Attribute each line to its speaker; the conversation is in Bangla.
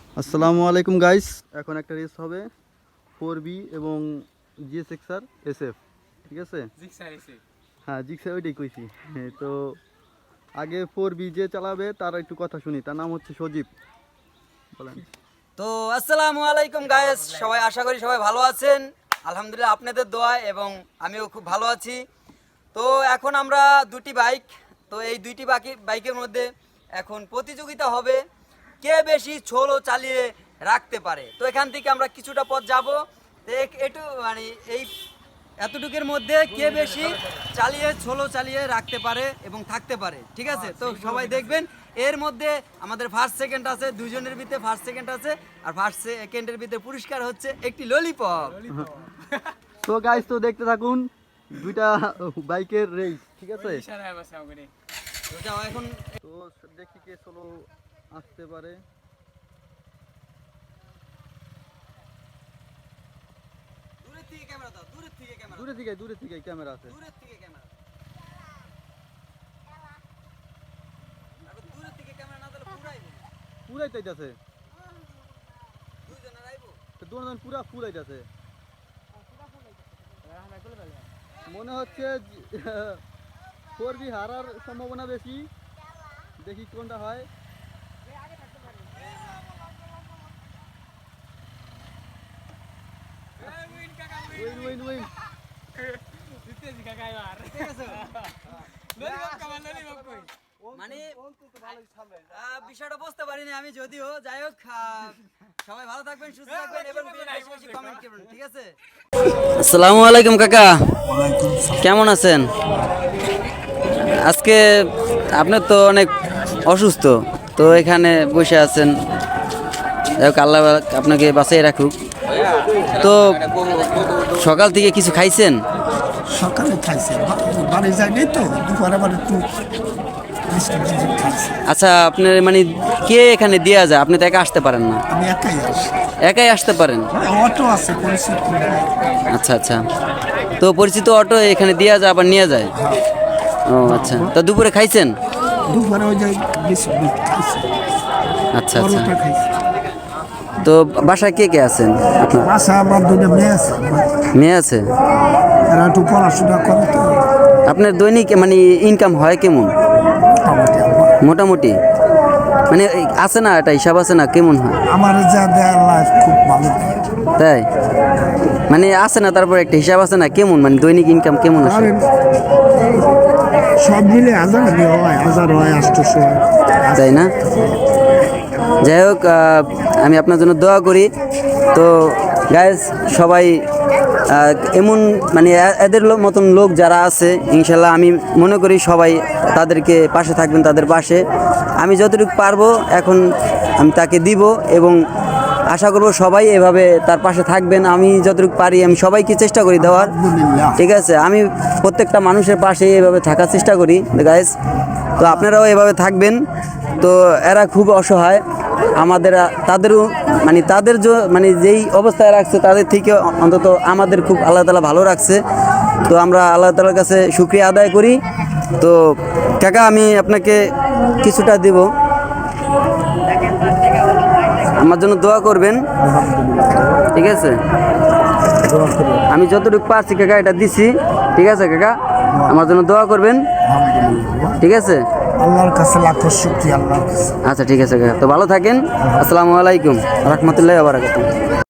Speaker 1: আসসালামু আলাইকুম গাইস, এখন একটা রেস হবে 4B এবং GSX-R SF, ঠিক আছে? হ্যাঁ, জিক্সার ওইটাই কইছি। হ্যাঁ, তো আগে 4B যে চালাবে তার একটু কথা শুনি। তার নাম হচ্ছে সজীব। বলেন।
Speaker 2: তো আসসালামু আলাইকুম গাইস, সবাই আশা করি সবাই ভালো আছেন। আলহামদুলিল্লাহ আপনাদের দোয়ায় এবং আমিও খুব ভালো আছি। তো এখন আমরা দুটি বাইক, তো এই দুইটি বাইকের মধ্যে এখন প্রতিযোগিতা হবে কে বেশি ছোলো চালিয়ে রাখতে পারে। তো এখান থেকে আমরা কিছুটা পথ যাব, তো একটু মানে এই এতটুকুর মধ্যে কে বেশি ছোলো চালিয়ে রাখতে পারে এবং থাকতে পারে, ঠিক আছে? তো সবাই দেখবেন, এর মধ্যে আমাদের ফার্স্ট সেকেন্ড আছে, দুইজনের ভিতরে ফার্স্ট সেকেন্ড আছে, আর ফার্স্ট সেকেন্ডের ভিতরে পুরস্কার হচ্ছে একটি ললিপপ।
Speaker 1: তো গাইস, তো দেখতে থাকুন দুইটা বাইকের রেস, ঠিক আছে?
Speaker 2: তো যাও এখন।
Speaker 1: তো দেখি কে সোলো আসতে পারে।
Speaker 2: দূরের থেকে ক্যামেরা দাও, দূরের থেকে ক্যামেরা,
Speaker 1: দূরে থেকে ক্যামেরা আছে।
Speaker 2: দূরের থেকে ক্যামেরা, দূরের থেকে ক্যামেরা না দিলে
Speaker 1: পুরাই চাইতেছে,
Speaker 2: দুইজনের আইবো।
Speaker 1: তো দুজন পুরা ফুল আইতাছে। মনে হচ্ছে 4B হারার সম্ভাবনা বেশি। দেখি কোনটা হয়। Win win.
Speaker 2: মানে বিষয়টা বুঝতে পারিনি আমি, যদিও যাই হোক, সবাই ভালো থাকবেন, সুস্থ থাকবেন এবং বেশি বেশি কমেন্ট করবেন, ঠিক আছে? আসসালামু আলাইকুম কাকা, কেমন আছেন? আজকে আপনি তো অনেক অসুস্থ, তো এখানে বসে আছেন, যাই হোক আল্লাহ আপনাকে বাঁচিয়ে রাখুক। তো সকাল থেকে কিছু খাইছেন?
Speaker 3: সকালে খাইছে, বাড়ি যায়নি তো, দুপুরে আবার একটু বিস্কুট খাইছে।
Speaker 2: আচ্ছা, আপনার মানে কে এখানে দেওয়া যায়? আপনি তো একা আসতে পারেন না।
Speaker 3: আমি একাই আসি,
Speaker 2: একাই আসতে পারেন?
Speaker 3: অটো আছে পরিচিত।
Speaker 2: আচ্ছা আচ্ছা, তো পরিচিত অটো এখানে দেওয়া যায়, আবার নিয়ে যায়? ও আচ্ছা, তো দুপুরে খাইছেন?
Speaker 3: দুপুরে ওই যে বিস্কুট খাইছে,
Speaker 2: আচ্ছা আচ্ছা,
Speaker 3: পরোটা খাইছে।
Speaker 2: তো বাসায় কে কে আছেন আপনার?
Speaker 3: বাসা আমার দুটো মেয়ে আছে,
Speaker 2: মেয়ে আছে?
Speaker 3: এরা একটু পড়াশোনা করে তো।
Speaker 2: আপনার দৈনিক মানে ইনকাম হয় কেমন? মোটামুটি মানে আছে না, একটা হিসাব আছে না, কেমন হয়?
Speaker 3: আমার যা দেয় লাইফ খুব ভালো দেয়।
Speaker 2: তাই মানে আছে না, তারপর একটা হিসাব আছে না, কেমন মানে দৈনিক ইনকাম কেমন আসে?
Speaker 3: ধরেন সব মিলে 1000 হয়, 1000 হয়, 800 হয়।
Speaker 2: তাই না? যাই হোক, আমি আপনার জন্য দোয়া করি। তো গাইস, সবাই এমন মানে এদের মতন লোক যারা আছে, ইনশাল্লাহ আমি মনে করি সবাই তাদেরকে পাশে থাকবেন, তাদের পাশে আমি যতটুকু পারবো এখন আমি তাকে দিব এবং আশা করব সবাই এভাবে তার পাশে থাকবেন। আমি যতটুকু পারি আমি সবাইকে চেষ্টা করি দেওয়ার, ঠিক আছে? আমি প্রত্যেকটা মানুষের পাশে এভাবে থাকার চেষ্টা করি গাইস, তো আপনারাও এভাবে থাকবেন। তো এরা খুব অসহায়, আমাদের তাদেরও মানে তাদের মানে যেই অবস্থায় রাখছে তাদের থেকে অন্তত আমাদের খুব আল্লাহ তাআলা ভালো রাখছে। তো আমরা আল্লাহ তাআলার কাছে শুকরিয়া আদায় করি। তো কাকা, আমি আপনাকে কিছুটা দেব, আমার জন্য দোয়া করবেন, ঠিক আছে? আমি যতটুকু পারছি কাকা এটা দিছি, ঠিক আছে কাকা? আমার জন্য দোয়া করবেন, ঠিক আছে?
Speaker 3: আল্লাহর কাছে লাখ শুকরিয়া, আল্লাহর কাছে।
Speaker 2: আচ্ছা ঠিক আছে কাকা, তো ভালো থাকেন। আসসালামু আলাইকুম রাহমাতুল্লাহি ওয়া বারাকাতুহু।